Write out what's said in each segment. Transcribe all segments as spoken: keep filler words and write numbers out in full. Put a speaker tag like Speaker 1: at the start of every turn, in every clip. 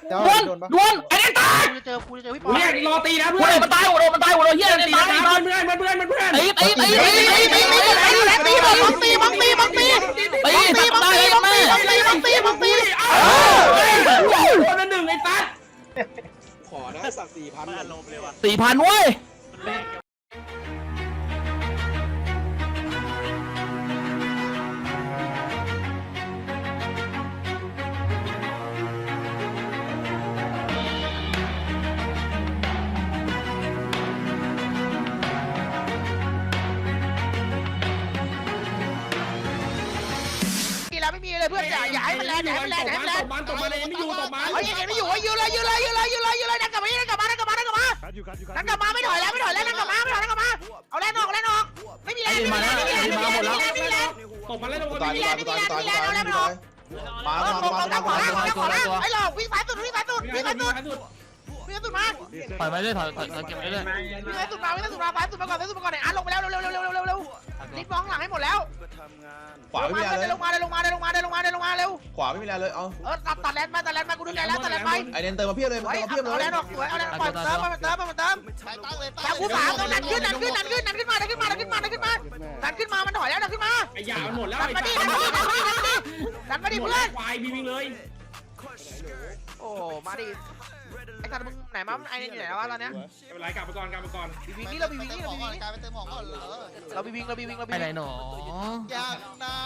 Speaker 1: ดวนดวนไอ้เนี่ยตายกูจะเจอกูจะเจอพี่ปอเนี่ยรอตีนะเพื่อนมันตายโดนมันตายโดนเฮียตีตายเพื่อนเพื่อนเพื่อนเพื่อนตีตีตีตีตีตีตีตีบังตีบังตีบังตีตีตีบังตีบังตีบังตีบังตีบังตีคนละหนึ่งไอ้ตั๊ด
Speaker 2: ขอนะสักสี่พัน
Speaker 1: สี่พันเว้ยไม่มีเลยเพื่อนอย่าอย่าให้มันแรงอย่าให้มันแรงอย่าให้มันแรงตบมันตบมันเลยไม่อยู่ตบมันเฮ้ยยังไม่อยู่ยืนเลยยืนเลยยืนเลยยืนเลยยืนเลยนั่งกลับมานั่งกลับมานั่งกลับมานั่งกลับมานั่งกลับมาไม่ถอยแล้วไม่ถอยแล้วนั่งกลับมาไม่ถอยนั่งกลับมาเอาแรงออกแรงออกไม่มีแรงไม่มีแรงไม่มีแรงไม่มีแรงไม่มีแรงตบมันเลยตบมันไม่มีแรงไม่มีแรงไม่มีแรงเอาแรงออกมามามามาขวาล่างขวาล่างไอ้หลอกวิ่งสายสุดวิ่งสายสุดวิ่งสายสุดวิ่งสุดมาถอยไปเลยถอยถอยเก็บไปเลยวิ่งสายสุดมาวิ่งสายสุดมาสายสุดมาก่อนสายสุดมาก่อนเนี่ยอ่ะลงไปแล้วเร็วเร็วเร็วเร็วเร็วเร็วรีบมองหลังให้หมดแล้ว
Speaker 2: ขวาไม่มีอะไรเลย
Speaker 1: ลงมาเลยลงมาเลยลงมาเลยลงมาเลยลงมาเร็ว
Speaker 2: ขวาไม่มีอะไรเลยเอา
Speaker 1: เออตัดตัดแลนด์มาตัดแลนด์มากูดึงแลนด์แล้วตัดแลนด์ไป
Speaker 2: ไอเดนเติมมาเพียบเลยเติมมาเพียบเลย
Speaker 1: เอาแลนด์ออกสวยเอาแลนด์ปล่อยเติมมาเติมมาเติมแต่กูสามนั่นขึ้นนั่นขึ้นนั่นขึ้นนั่นขึ้นมานั่นขึ้นมานั่นขึ้นมานั่นขึ้นมานั่นขึ้นมามันถอยแล้วนั่นขึ้นมาไอ้ยามันหมดแล้วดันมาดิดันมาดิดันมาดิดันมาดิเพื่อนควายวิ่งเลยโอ้มาดิไอ้สัตว์มึงไหนมาไอ้นี่อยู่ไหนวะตอนเนี้ยไม่เป็นไรกลับไปก่อนกลับไปก่อนบีวิงนี่เราบีวิงนี่เราบีวิงกลายเป็นเติมหมองก่อนเหรอเราบีวิงเราบีวิงเราบีวิงอะไรหนอยากนะ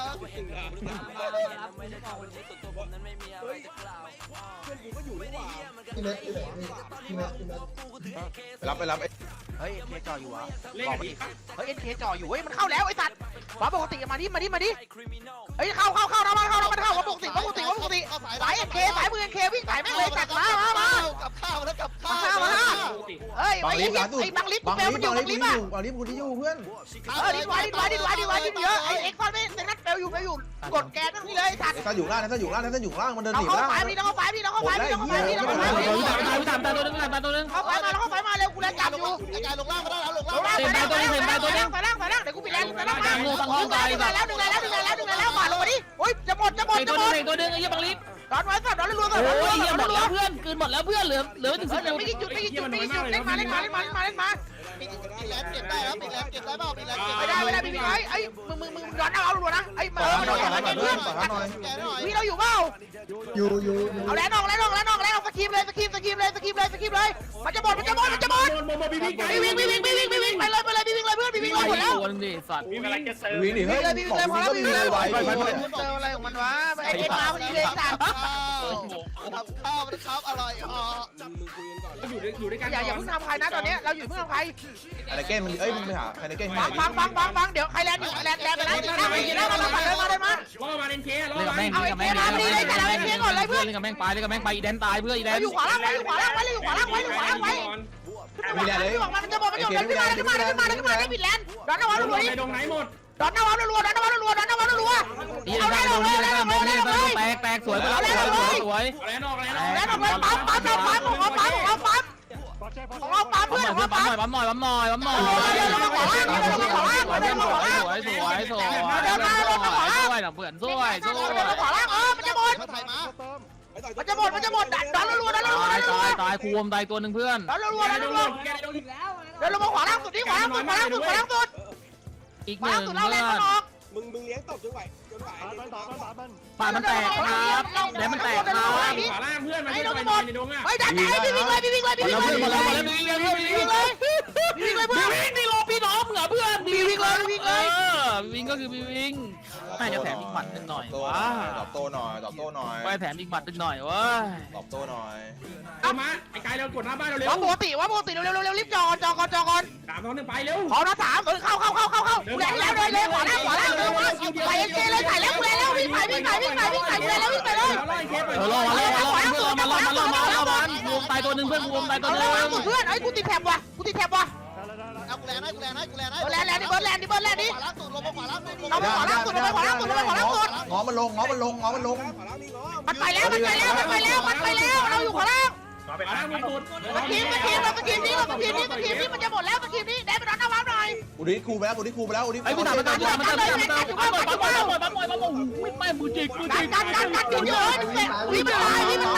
Speaker 2: รับไปรับ
Speaker 1: เฮ้ยเอ็นเคจ่ออยู่วะบอกมาดิเฮ้ยเอ็นเคจ่ออยู่เฮ้ยมันเข้าแล้วไอ้สัตว์ว่าปกติมาดิมาดิมาดิเฮ้ยเข้าเข้าเข้านะมาเข้านะมันเข้าว่าปกติว่าปกติว่าปกติสายเอ็นเคสายมือเอ็นเควิ่งสายแม่งเลยจัดมามามากับข้าวแล้วกับข้าวมาเฮ้ยไอ้ไอ้บังลิฟต์เปลมันอยู่บังลิฟต์อ่ะ
Speaker 2: บังลิฟต์กูที่อยู่เพื่อน
Speaker 1: เออดิไว้ดิไว้ดิไว้ดิไว้ดิเยอะไอ้เอ็กซ์คอนไม่แต่นัดเปลอยู่เปลอยู่กดแกนนี่เลยสัตว์
Speaker 2: ถ้าอยู่ล่างถ้าอยู่ล่างถ้าอยู่ล่างมันเดินหนี
Speaker 1: ล่างเอาไฟดิเอาไฟดิเอาไฟดิเอาไฟดิเอาไฟดิตามตามตัวนึงตามตัวนึงเอาไฟมาแล้วเอาไฟมาเร็วกูแรงจับอยู่กระจายลงล่างมาได้แล้วลงล่างเต็มตัวนึงเต็มตัวนึงไปล่างไปล่างเดี๋ยวกูปิดแรงไปล่างมาดึงแล้วดึงแล้วดึงแล้วดึงแล้วดึงแล้วมาลงมาดิโอ๊ยจะหมดจะหมดจะหมดตัวนึงไอ้ยี่บังลิฟดอนไว้สัตว์ดอนรัวๆสัตว์โอ้ยหมดแล้วเพื่อนคืนหมดแล้วเพื่อนเหลือเหลือถึงสิบไม่กี่จุดไม่กี่จุดไม่กี่จุดเล่นมาเล่นมาเล่นมาเล่นมาเล่นมาปิดแรงเก็บได้แล้วปิดแรงเก็บได้เปล่าปิดแรงเก็บไม่ได้ไม่ได้พี่ไอ้ไอ้มึงมึงมึงดอนเอารัวนะไอ้มามาโดนอะไรเพื่อนพี่เราอยู่เปล่า
Speaker 2: อยู่อยู่
Speaker 1: เอาแรงออกแรงออกแรงออกแรงออกสกีมเลยสกีมสกีมเลยสกีมเลยสกีมเลยมันจะหมดมันจะหมดมันจะหมดวิ่งวิ่งวิ่งวิ่งวิ่งวิ่งวิ่งไปเลยไปเลยวิ่งเลยเพื่อนวิ่งเลยหมดแล้ว
Speaker 2: วิ่งวิ่งดิเฮ้ย
Speaker 1: วิ่งเลยพอแล้ววิ่งเลยไวไปไปเจออะไรของมันวะไอ้เอ็กมาพอดีเลยสัตว์
Speaker 3: ทำข้าวมันครับอร่อยอ๋อ
Speaker 1: อยู่ด้วยอยู่ด้วยกันอย่าอย่าเพิ่งทำใครนะตอนนี้เราอยู่เพิ่งทำใคร
Speaker 2: อะไรเก้มันเอ้ยมึงไปหาใครในเก้
Speaker 1: ฟังฟังฟังฟังฟังเดี๋ยวใครแลนด์อยู่ใครแลนด์แลนด์ไปแล้วนะไปกินแล้วมามาเลยมาเลยมา
Speaker 4: ล่อมาเล่นเคล่อมา
Speaker 1: เอาไอ้เคมาพอดีเลยแต่เราไอ้เคก่อนเลยเพื่อน
Speaker 4: เล่นกับแม่งไปเล่นกับแม่งไปอีแดนตายเพื่ออีแดน
Speaker 1: อยู่ขวาล่างไว้อยู่ขวาล่างไว้อยู่ขวาล่างไว้อยู่ขวาล่างไว้
Speaker 2: มีอะไรเลย
Speaker 1: มันจะบอกมันจะบอกขึ้นมาขึ้นมาขึ้นมาขึ้นมาได้ปิดแลนด์ดอนนวัดรัวๆนี่
Speaker 4: ตรงไหนหมด
Speaker 1: ดอนนวัดรัวๆดอนนวัดรัวๆดอนนวัดรัวๆ
Speaker 4: เอาได้เลยเอาได้เลยแตกแตกสวยไปแล้วสวยสวย
Speaker 1: แลนด์ออกแลนด์ออกแลนด์ออกปั๊มปั๊มปั๊มปั๊มของปั๊มของปั๊มของเราปั๊มเพื่อนของเราปั๊ม
Speaker 4: ปั๊มหน่อยปั๊มหน่อยปั๊มหน่อย
Speaker 1: ปั๊มหน่อย
Speaker 4: สวยสวยสวยเดินมาลงมาขวาล่างด้วยนะเพื่อนสวยสวย
Speaker 1: ขวาล่างเออมันจะหมดมันจะหมดมันจะหมดดอนรัวๆดอนรัวๆ
Speaker 4: ตายตายตายคูมตายตัวหนึ่งเพื่อน
Speaker 1: ดอนรัวๆดอนรัวๆเดินลงมาขวาล่างสุดที่ขวาล่างสุดขวาล่างสุดขวาล่างสุด
Speaker 4: อีกหนึ่งเพื่อน
Speaker 2: มึงมึงเลี้ยงตบจนไหวจนไหว
Speaker 4: ป่ามันแตกครับแดนมันแตกครับ
Speaker 1: ขวาล่างเพื่อนมันไม่หมดเฮ้ยดันไหนพี่วิ่งเลยพี่วิ่งเลยพี่วิ่งเลย
Speaker 4: หมดแล้วหมดแล้ววิ่งเลยวิ่งเลย
Speaker 1: วิ่งเลยเพื่อน
Speaker 4: วิ่งนี่รอพี่น้องเหรอเพื่อน
Speaker 1: วิ่งวิ่งเลยวิ่งเลย
Speaker 4: วิ่งก็คือวิ่งน่าจะแถมอีกหมัดหนึ่งหน่อยว้า
Speaker 2: ตอบโต้หน่อยตอบโต้หน่อย
Speaker 4: ไปแถมอีกหมัดหนึ่งหน่อยว้า
Speaker 2: ตอบโต้หน่อย
Speaker 4: เอามาไอ้กายเรากดหน้าบ้านเราเร็ว
Speaker 1: ว่าปกติว่าปกติเร็วเร็วเร็วรีบจอจอก่อนจอก่อน
Speaker 4: สามสองหนึ่งไปเร็ว
Speaker 1: ขอนะสามเออเข้าเข้าเข้าเข้าเข้าแรงแล้วเลยเลยขวาล่างขวาล่างเลยไปเอ็นเจเลยถ่ายแล้วกูแล้ววิ่งไปวิ่งไปวิ่งไปวิ่งไปวิ่งไปแล้ววิ่งไปเลย
Speaker 4: เออรอมาเลยรอมาเลยรอมาเลยรอมาเลยรอมาเลยรวมตายตัวหนึ่งเพื่อนรวมตายตัวหนึ่ง
Speaker 1: เพื่อนไอ้กูติดแถบว่ะกูติดแถบว่ะ
Speaker 3: เอากูแลนให้กูแลนให้กูแลนให้
Speaker 1: แลนแลนดิเบิร์ดแลนดิเบิร์ดแลนดิ
Speaker 3: ขวาล่างสุดลงมาขวาล่างสุดลง
Speaker 1: มาขวาล่างสุดลงมาขวาล่างสุดลงมาขวาล่างสุด
Speaker 2: ง้อมันลงง้อมันลงง้อมันลง
Speaker 1: มันไปแล้วมันไปแล้วมันไปแล้วมันไปแล้วเราอยู่ขวาล่าง
Speaker 4: ไปล่างสุด
Speaker 1: สกีมสกีมสกีมนี้สกีมนี้สกีมนี้มันจะหมดแล้วสกีมนี้แดนไปโดนน้ำว้าหน่อย
Speaker 2: อุดิคูไปแล้วอุดิคูไปแล้วอุดิ
Speaker 4: ไอ้พี่ตามมาตามมาตามมาตามมาตามมาปั๊มปั๊มปั๊มปั๊มปั๊มปั๊มปั๊มไม่มือจิกมือจิก
Speaker 1: กันกันกันกันเยอะๆวิ่งมันตายวิ่งมันตาย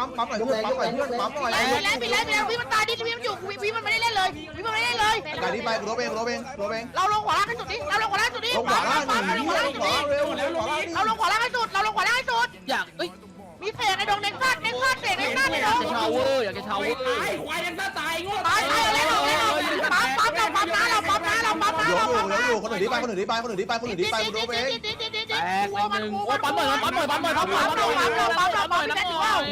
Speaker 2: ปั๊มปั๊มหน่อยเพื่อนปั๊มหน่อยเพื่อนปั๊มหน่อย
Speaker 1: ปิดแล้วปิดแล้วปิดแล้ววิมันตายดิวิมันอยู่วิมันไม่ได้เล่นเลยวิมันไม่ได้เล่นเลย
Speaker 2: การนี้ไปกูรบเองกูรบเองกูรบเอง
Speaker 1: เราลงขวาล่างให้สุดดิเราลงขวาล่างสุดดิ
Speaker 2: ลงขวาล่างหนึ่ง
Speaker 1: เราลงขวาล่างสุด
Speaker 2: ข
Speaker 1: ดิ
Speaker 2: วาเร็วเร็วขวาล่าง
Speaker 1: เราลงขวาล่างให้สุดเราลงขวาล่างให้สุด
Speaker 4: อยากเอ้ย
Speaker 1: มีเศษในดงเน็กซัสเน็กซัสเศษเน็กซัสในด
Speaker 4: อยาง กจะชาวเวอร์อยากจะชาวเวอร์
Speaker 5: ควายยังตายโง่
Speaker 1: ตายตายเล่นเราเล่นเราปั๊มปั๊มเราปั๊มนะเราปั๊มนะเราปั๊มนะ
Speaker 2: ยก
Speaker 1: เรา
Speaker 2: อยู่
Speaker 1: ปั๊ม
Speaker 2: ย
Speaker 1: นะ
Speaker 2: กอยู่คนอื่นดีไปคนอื่นดีไปคนอื่นดีไปคนอื่นดีไปกูรบเอง
Speaker 4: แตกไปหนึ่งโอ้ปั๊มหน่อยปั๊มหน่อยปั๊มหน่อยปั๊มหน่อยปั๊มหน่อยปั๊มหน่อยปั๊มหน่อยปั๊มหน่อยปั๊มหน่อย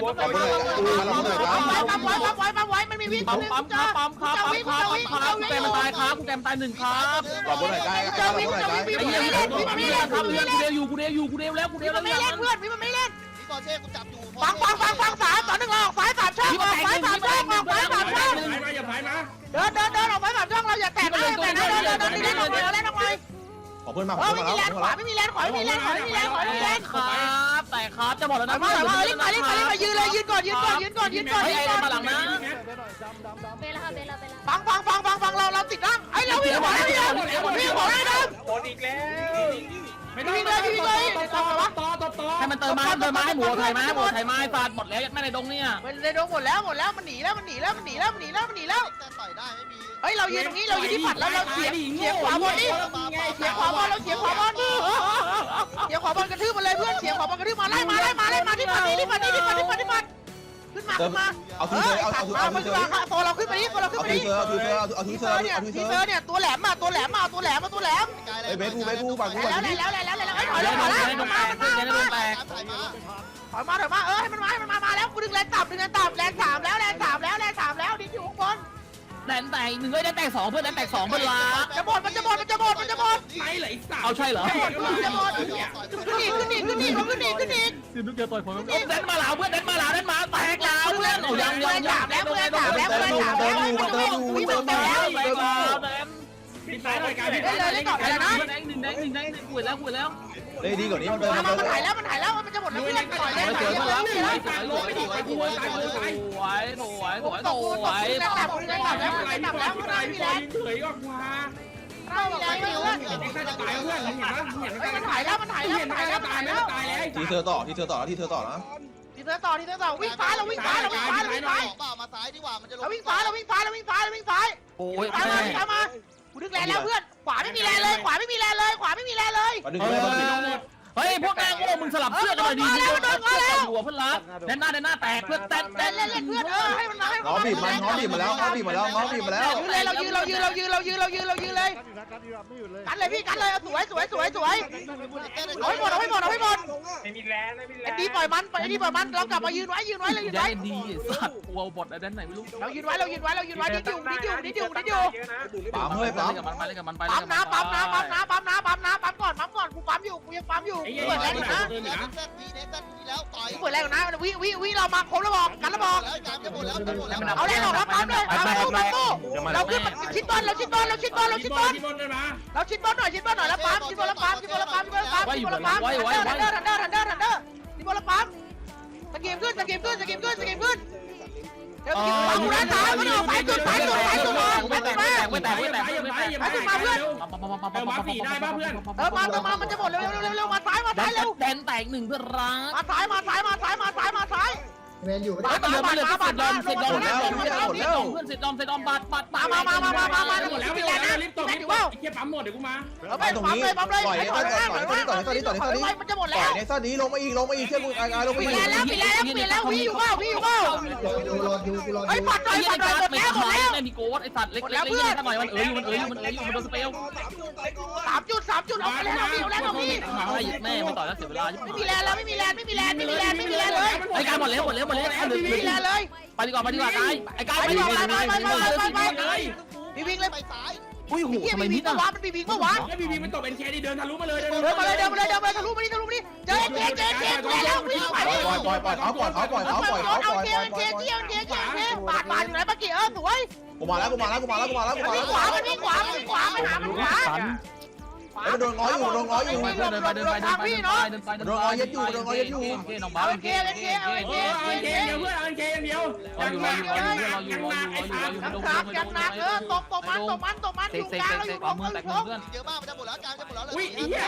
Speaker 1: ปั๊มไว้ปั๊มไว้ปั๊มไว้ปั๊มไว้มันมีวิ่ง
Speaker 4: ปั๊มปั๊มครับปั๊มครับปั๊มครับปั๊มครับกูแกมันตายครับกูแกมันตายหนึ่งครับ
Speaker 2: ขอบคุณหน่อยได้
Speaker 1: เจอวิ่งเจอวิ่งวิ่ง
Speaker 4: ไอ้
Speaker 1: ไม่
Speaker 4: เหี้ย
Speaker 1: เล่น
Speaker 4: วิ่
Speaker 1: วิ่
Speaker 4: ง
Speaker 1: ง
Speaker 4: ไม่
Speaker 1: ไม่
Speaker 4: เล่
Speaker 1: เล่
Speaker 4: น
Speaker 1: น
Speaker 4: ครับ
Speaker 1: วิ่ง
Speaker 4: กู
Speaker 1: ไม่
Speaker 4: เด
Speaker 1: เล่น
Speaker 4: วอยู่กูเดวอยู่กูเดวแล้วกูเดว
Speaker 1: วิ่ง
Speaker 4: แล้ว
Speaker 1: ไม่เล่นเพื่อนวิ่งมันไม่เล่น
Speaker 3: พี่กอเช่กูจับอยู่
Speaker 1: ฟังฟังฟังฟังสามต่อหนึ่งออกซ้ายสามช่องออกซ้ายสามช่องออกซ้ายสามช่อง
Speaker 5: มาอย่าพายมา
Speaker 1: เดินเดินเดินออกซ้ายสามช่องเราอย่าแตะนะอย่าแตะนะเดินเดินเดินเล่นออกไปเล่นออกไป
Speaker 2: ขอเพื่อนมาข
Speaker 1: เอ
Speaker 2: อ
Speaker 1: อ
Speaker 2: เพื่อน
Speaker 1: ไม่
Speaker 2: มา
Speaker 1: มี
Speaker 2: แล้ว
Speaker 1: แรงขวาไม่มีแรงขวาไม่มีแรงขวาไม่มีแรงขวาไม่มีแรง
Speaker 4: ครับแต่ครับจะบอกแล้ว
Speaker 1: ถอ
Speaker 4: นะ
Speaker 1: ยมาถอยมารีบมารีบมารีบมายืนเลยยืนก่อนยืนก่อนยืนก่อนยืนก่อน
Speaker 4: เฮ้ย
Speaker 1: ยืน
Speaker 4: ไอ้
Speaker 1: ก่อน
Speaker 4: มาหลังนะ
Speaker 6: เบลค่ะเบลเบล
Speaker 1: ฟังฟังฟังฟังฟังเราเราติดนะไอ้เราวิ่งขวาได้ยังวิ่งขวาได้ยัง
Speaker 5: โดนอีกแล้วไม่ต้อง
Speaker 1: วิ่งเลยวิ่งเลย
Speaker 5: ต่อต่อต่อต่อ
Speaker 4: ให้มันเติมมาเติมมาให้หมูไทยมาหมูไทยมาฟาดหมดแล้วยัดแม่ในดงเนี่ย
Speaker 1: มันในดงหมดแล้วหมดแล้วมันหนีแล้วมันหนีแล้วมันหนีแล้วมันหนีแล้วมันหนีแล้ว
Speaker 3: แต่ต่อยได้ไม่มี
Speaker 1: เฮ้ยเรายืนตรงนี้เรายืนที่ผัดแล้วเราเสียเสียขวาบอลนี่เสียขวาบอลเราเสียขวาบอลเสียขวาบอลกระทืบมันเลยเพื่อนเสียขวาบอลกระทืบมาไล่มาไล่มาไล่มาที่ผัดนี่ที่ผัดนี่ที่ผัดที่ผัดที่ผัดขึ้นมาขึ้นมา
Speaker 2: เอาทีเซอร์เอาเอา
Speaker 1: มา
Speaker 2: เอา
Speaker 1: มา
Speaker 2: ที
Speaker 1: ขึ้น
Speaker 2: เซอ
Speaker 1: มา
Speaker 2: ร์
Speaker 1: โซเราขึ้นไปนี่โซเราขึ้น
Speaker 2: เอา
Speaker 1: ไป
Speaker 2: ที
Speaker 1: นี่
Speaker 2: เซอร์เอาทีเซอร์เอาที
Speaker 1: ที
Speaker 2: เซ
Speaker 1: เซ
Speaker 2: อ
Speaker 1: อ
Speaker 2: ร์
Speaker 1: ร์เนี่ย
Speaker 2: เอาทีเซ
Speaker 1: ที
Speaker 2: อ
Speaker 1: เซอร์
Speaker 2: ร์
Speaker 1: เนี่ยตัวแหลมมาตัวแหลมมาตัวแหลมมาตัวแหลม
Speaker 2: ไอ้เบสกูเบสกูปังกู
Speaker 1: แล้วแล้วแล้วแล้วแล้วไอ้ถอยแล้วถอยแล้วมามามามา
Speaker 3: ถ่ายมา
Speaker 1: ถอยมาถอยมาเออให้มันมาให้มันมามาแล้วกูดึงแรงต่ำดึงแรงต่ำแรงสามแล้วแรงสามแล้วแรงสามแล้วดิ้นอยู่ข้างบน
Speaker 4: แดนแตกหนึ่งเอ้ยแดนแตกสองเพื่อนแดนแตกสองเพื่อนละ
Speaker 1: จะหมดมันจะหมดมันจะหมดมันจะหมด
Speaker 5: ไม่ไหลสัตว์
Speaker 4: เอาใช่เหรอ
Speaker 1: จะหมดขึ้นอีกขึ้นอีกขึ้นอีกขึ้นอีกขึ้นอีก
Speaker 4: คือนึกจะต่อยผมแดนมาหลาเพื่อนแดนมาหลาแดนมาแตกลาเพื่อนโอ้ยังยังยัง
Speaker 1: แล้วแล้วแล้วแล้วแล้ววิ่งไปแล้ว
Speaker 4: แตกลาแดน
Speaker 5: ปิดสายหน่อยการปิด
Speaker 1: เล่นเลยเล่นต่อไปแล้วนะ
Speaker 4: แดงหนึ่งแดงหนึ่งแดงหนึ่งขวดแล้วขวดแล้ว
Speaker 2: เฮ้ยดีกว่านี้มันเดิน
Speaker 1: มา
Speaker 2: มัน
Speaker 1: มัน
Speaker 2: เดิน
Speaker 1: ถ่ายแล้วมันถ่ายแล้วมันจะหมดแล้วเพื่อนต่อยเลย
Speaker 4: สวย
Speaker 1: ถ่าย
Speaker 4: สวย
Speaker 1: แล้ว
Speaker 4: สวยสวยสวยสวยสวยสวยสวยสวยสวยสวย
Speaker 1: แรงต่ำแรงต่ำแล้ว
Speaker 5: อะไร
Speaker 1: แรง
Speaker 5: พี่
Speaker 1: ต่ำแล้ว
Speaker 5: พี่
Speaker 1: ไม่
Speaker 5: ตาย
Speaker 1: มี
Speaker 5: พี่
Speaker 1: แร
Speaker 5: ตาย
Speaker 1: ง
Speaker 5: เฉยก็กว่า
Speaker 1: ไม่มีแรงเพื่อน
Speaker 5: เด็กน่าจะตายเพื่อนเห็นปะเห็น
Speaker 1: มันถ่ายแล้วมันถ่ายแล้ว
Speaker 5: เห็น
Speaker 1: ถ่ายแล้ว
Speaker 5: ตา
Speaker 1: ถ่าย ย
Speaker 5: แล้
Speaker 1: แล้ว ว
Speaker 5: ตายแล้ว
Speaker 2: ทีเซอร์ต่อทีเซอร์ต่อแล้วทีเซอร์ต่อนะ
Speaker 1: ทีเซอร์ต่อทีเซอร์ต่อวิ่งซ้ายเราวิ่งซ้ายเราวิ่งซ้ายเราวิ่งซ้าย
Speaker 3: เปล่ามาซ้ายดีกว่ามันจะลง
Speaker 1: เราวิ่งซ้ายเราวิ่งซ้ายเราวิ่งซ้ายเราวิ่งซ้าย
Speaker 4: โอ้ย
Speaker 1: ตามมาตามมากูดึงแรงแล้วเพื่อนขวาไม่มีแรงเลยขวาไม่มีแรงเลยขวาไม่มีแรงเลย
Speaker 2: มาดึง
Speaker 4: เฮ้
Speaker 2: เลย ยมาดึง
Speaker 4: เฮ้ยพวกนางโง่มึงสลับเสื้อกันหน่อยดีมึงโดนเสื้อกันหัวเพื่อนรักแดนหน้าแดนหน้าแตกเพื่อนแตก
Speaker 1: เล่นเล่นเล่นเพื่อนเออให้มันมาให้มัน
Speaker 2: ง้อบีบมันง้อบีบมาแล้วง้อบีบมาแล้วง้อบีบมาแล้ว
Speaker 1: ยืนเลยเรายืนเรายืนเรายืนเรายืนเรายืนเรายืนเลยกันเลยพี่กันเลยสวยสวยสวยสวยเอาให้หมดเอาให้หมดเอาให้หมด
Speaker 5: ไม่มีแรงไม่มีแร
Speaker 1: ไอ้
Speaker 5: ง
Speaker 1: ดีปล่อยมันไอ้ดีปล่อยมันเรากลับมายืนไว้ยืนไว้เรายืน
Speaker 4: แด
Speaker 1: ไว้
Speaker 4: นดีสัตว์วัวบดแดนไหนไม่รู้
Speaker 1: เรายืนไว้เรายืนไว้เรายืนไว้ดิ้นอยู่ดิ้นอยู่ดิ้นอยู่ดิ้นอยู่
Speaker 2: ปั๊มเฮ้ยปั๊ม
Speaker 4: กับมันไปเลยกับมันไป
Speaker 1: ปั๊มน้ำปั๊มน้ำปั๊มน้ำปั๊มน้ำปั๊มน้ำปั๊มก่อนปั๊มก่อนกูปั๊มอยู่กูยังปั๊มอยู่
Speaker 5: ไอ้
Speaker 1: กู
Speaker 5: เหี้ย
Speaker 1: เปิดแรงอยู่นะ
Speaker 3: เน็กซัสทีเน็กซัสทีแล้วต่อย
Speaker 1: กูเปิดแรงอยู่นะวิวิวิเรามาครบแล้วบอกกันแล้วบอก
Speaker 3: แล้วการจะหมดแล้วจะหมดแล้ว
Speaker 1: เอาแรงออกแล้วปั๊มเลยปั๊มตู้ปั๊มตู้เราขึ้นมาชิดบอลเราชิดบอลเราชิดบอลเราชิดบอล
Speaker 5: ที่บนเลยมา
Speaker 1: เราชิดบอลหน่อยชิดบอลหน่อยแล้วปั๊มชิดบอลแล้วปั๊มชิดบอลแล้วปั๊มชิดบอลแล้วปั๊มชิดบอลแล้วปั๊มทันเดอร์ทันเดอร์ทันเดอร์ทันเดอร์ชิดบอลแล้วปั๊มสกีมขึ้นสกีมขึ้นสกีมขึ้นสกีมขึ้นเดี๋ยวสกีมปั๊มอยู่ด้านซ้ายมันออกสายสุดสายสุดสายสุดมาสายสุดมา
Speaker 4: ไม่แตกไม่แตกไม่แตก
Speaker 1: สายสุดมาเพื่อน
Speaker 5: เออมาสี่ได้ป่ะเพื่อน
Speaker 1: เออมาเออมามันจะหมดเร็วเร็วเร็วเร็วมาซ้ายมาซ้ายเร็ว
Speaker 4: แดนแตกหนึ่งเพื่อนรัก
Speaker 1: มาซ้ายมาซ้ายมาซ้ายมาซ้ายมาซ้าย
Speaker 6: เมนอยู่
Speaker 4: เฮ้ยมันเหลือมันเหลือเสร็จดอมเสร็จดอมเสร็จดอมเพื่อนเสร็จดอมเสร็จดอมบัตรบัตร
Speaker 1: มามามามามามามา
Speaker 5: หมดแล้ว
Speaker 1: มี
Speaker 5: ไม่
Speaker 1: แร
Speaker 5: แรง
Speaker 1: งนะ
Speaker 5: รีบตบ
Speaker 1: แร
Speaker 5: รี
Speaker 1: ง
Speaker 5: บ
Speaker 1: อยู่
Speaker 5: ต
Speaker 1: ว่า
Speaker 5: บไอ้เหี้ยปั๊มหมดเดี๋ยวกูมา
Speaker 1: เอาไปปั๊มเลยปั๊มเลย
Speaker 2: ปล่อย
Speaker 1: ไป
Speaker 2: ใน
Speaker 1: ถอยมาถอยมาถอยมาถอยมามันจะหมด
Speaker 2: ปล่
Speaker 1: แล้
Speaker 2: อ
Speaker 1: วย
Speaker 2: ในซ่อนนี้ลงมาอีกลงมาอีกเชื่อกูไอ้ลงมา
Speaker 1: เป
Speaker 2: อี
Speaker 1: ลี่
Speaker 2: ก
Speaker 1: ยนแล้วเปลี่ยนแล้วเปลี่ยนแล้วพี่อยู่เปล่าพี่อยู่เปล่า
Speaker 6: กูรออยู่กูรออ
Speaker 1: เฮ้ย
Speaker 6: ยู่
Speaker 1: ปัดหน่อย
Speaker 4: ไอ้
Speaker 1: ปัดหน่อยหมด
Speaker 4: ไม่
Speaker 1: แล้วหมด
Speaker 4: ขาย
Speaker 1: แล้ว
Speaker 4: ไม่มีโกดไอ้สัตว์เล็กๆเล็กๆหน่อยมันเอ๋ยอยู่มันเอ๋ยอยู่มันเอ๋ยอยู่มันโดนสเปล
Speaker 1: สามจุดสามจุดเอาไปแล้วพี่เอาแล้วพี่
Speaker 4: มาให้แม่มาต่อยแล้วเสียเวลา
Speaker 1: ไม่มีแรงแล้วไม่มีแรงไม่มีแรงไม่มีแรงไม่มีแรงเลย
Speaker 4: ไอ้การหมดแล้วหมดแล้วหมดแล้ว
Speaker 1: ไม่มีแรงเลย
Speaker 4: ไปดีกว่าไปดีกว่าไอ้ไอ้การไปดีกว่าไปไปไปไปไป
Speaker 1: พี่วิ่งเลย
Speaker 3: ไปซ้าย
Speaker 4: อุ้ยหู
Speaker 1: พี่
Speaker 4: ทำไม
Speaker 1: วิ่
Speaker 4: นิ
Speaker 1: ง
Speaker 4: ด
Speaker 1: ปะ
Speaker 4: อ่ะ
Speaker 1: วะมันมีวิ่งปะวะ
Speaker 5: ไอ้บีบีมันตบเอ็นเคดีเดินทะลุมาเลย
Speaker 1: เดินมาเลยเดินมาเลยเดินมาเลยทะลุมานี่ทะลุมานี่เจอเจเจเจกูแล้ววิ่งไป
Speaker 2: ปล่อยปล่อยปล่อยเขาปล่อยเขาปล่อยเขาปล่อยเขาปล่อย
Speaker 1: เอา
Speaker 2: ปล่อย
Speaker 1: เจ
Speaker 2: ปล่อย
Speaker 1: เจ
Speaker 2: ปล่อย
Speaker 1: เจเจเจเจบาดบาดอยู่ไหนปะกี้เออสวย
Speaker 2: กูมาแล้วกูมาแล้วกูมาแล้วกูมาแล้วกูมา
Speaker 1: วิ่งข
Speaker 2: แล้ว
Speaker 1: วามันวิ่งขวามันวิ่งขวามันหามันขวา
Speaker 2: ไอ้โดนง้ออยู่โดนง้ออยู่
Speaker 4: เดินไปเดินไปเดินไปเดินไปเดินไปเดินไปน้องบ้า
Speaker 1: เอาเจเอาเจเอาเจ
Speaker 5: เอ็นเคอย่างเดียวเพื่อนเอ็นเคอย่างเดียว
Speaker 4: รออยู่รออยู่รออยู่รออยู่รออยู่รออยู่รออยู่
Speaker 1: ยังหนักยังหนักเออตบตบมันตบมันตบมัน
Speaker 4: เตะ
Speaker 1: อยู่
Speaker 4: เตะ
Speaker 1: กลาง
Speaker 4: เตะ
Speaker 1: เราอยู่
Speaker 4: ขวามือแตกมือเพื่อน
Speaker 3: เยอะมากมันจะหมดแล้วการจะหมดแล้ว
Speaker 5: อุ้ยไอ้เหี้ย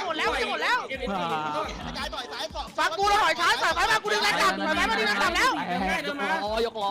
Speaker 3: กายต่อยซ้ายสอง
Speaker 1: ฟังกูแล้วหอยช้าใส่ไปมากูดึงแรงต่ำใส่ไปมาดึงแรงต่ำแล้ว
Speaker 5: เดินมา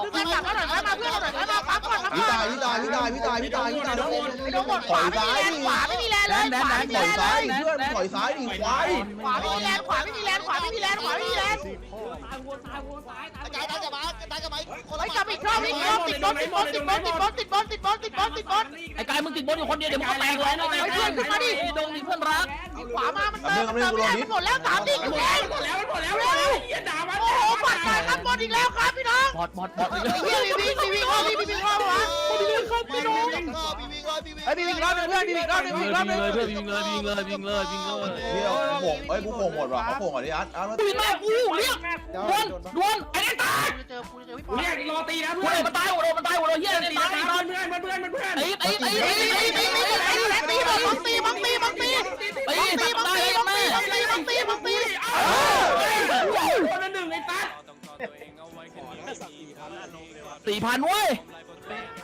Speaker 1: ดึงแรงกลับมาหน่อยมาเพื่อนหน่อยมาปั๊มก่อนปั๊ม
Speaker 2: พี่
Speaker 1: ก่อน
Speaker 2: ตายพี่ตายพี่ตายพี่ตายพี่ตายพี่ตาย
Speaker 1: ไอ้โดนหมดขวาไม่มีแรงขวาไม่มีแรงเลยขวาไม่มี
Speaker 2: ปล่อย
Speaker 1: แรง
Speaker 2: ซ้าย
Speaker 1: เลย
Speaker 2: เพื่อนปล่อยซ้ายดิควาย
Speaker 1: ขวาไม่มีแรงขวาไม่มีแรงขวาไม่มีแรงขวาไม่มีแรง
Speaker 3: กายได้กับมากายกับมาคน
Speaker 1: ไอ้
Speaker 3: ละ
Speaker 1: กลับอีกรอบอีกรอบติดบอลติดบอลติดบอลติดบอลติดบอลติดบอลติดบอลติดบอล
Speaker 4: ไอ้กายมึงติดบนอยู่คนเดียวเดี๋ยวมึงก็แตกเลยนะไอ้เพื่อนขึ้นมาดิดงมีเพื่อนรัก
Speaker 1: ขวามามันเติมมันเติมไม่ได้มันหมดแล้วสามดิกูเอง
Speaker 5: หมดแล้วหมดแล้วหมดแล้วเฮียด่ามัน
Speaker 1: โอ้โหปัดขาครับบอลอีกแล้วครับพี่น้อง
Speaker 4: บอดบอดบอด
Speaker 1: ไอ้เหี้ยมีวิ่งมีวิ่งรอบมีวิ่งรอบวะ
Speaker 3: พี่วิ่งพี่วิ่งพี่วิ่งเลยพี่วิ่ง
Speaker 1: ไอ้มีวิ่งรอบนึงเพื่อนมีวิ่งรอบนึง
Speaker 4: วิ่
Speaker 1: วิ่
Speaker 4: ง
Speaker 1: งรอบนึง
Speaker 4: เลยเพื่อนวิ่งเลยวิ่งเลยวิ่งเลยวิ่งเลย
Speaker 2: เดี๋ยวกูโผล่เอ้ยกูโผล่หมดว่ะเขาโผล่ก่อนดิอาร์ตอาร์ต
Speaker 4: วิ่งมากูเรียกดวนดวนไอ้นี่ตาย
Speaker 1: กูจะเจอกูจะเจอพี่ปอ
Speaker 5: เรียกรอตีนะ
Speaker 4: กู
Speaker 5: เพื่อน
Speaker 4: เลยมันตายหัวโดนมันตายหัวโดนเฮียนี่
Speaker 5: ตี
Speaker 4: ตาย
Speaker 5: ตายเพื่อนเพื่อนเพื่อนเพื่อน
Speaker 4: ไอ้ไอ้ไอ้
Speaker 1: ตี
Speaker 4: ไอ้
Speaker 1: ตี
Speaker 4: ไอ้
Speaker 1: ตีตีตีตีตีบังตีบังตีบังตี
Speaker 4: ไอ้
Speaker 1: ตีบัง
Speaker 4: ตาย
Speaker 1: ตี
Speaker 4: แม่
Speaker 1: บังตีบังตีบังตี
Speaker 5: คนละหนึ่งไอ้ตั๊ด
Speaker 4: สี่พันเว้ย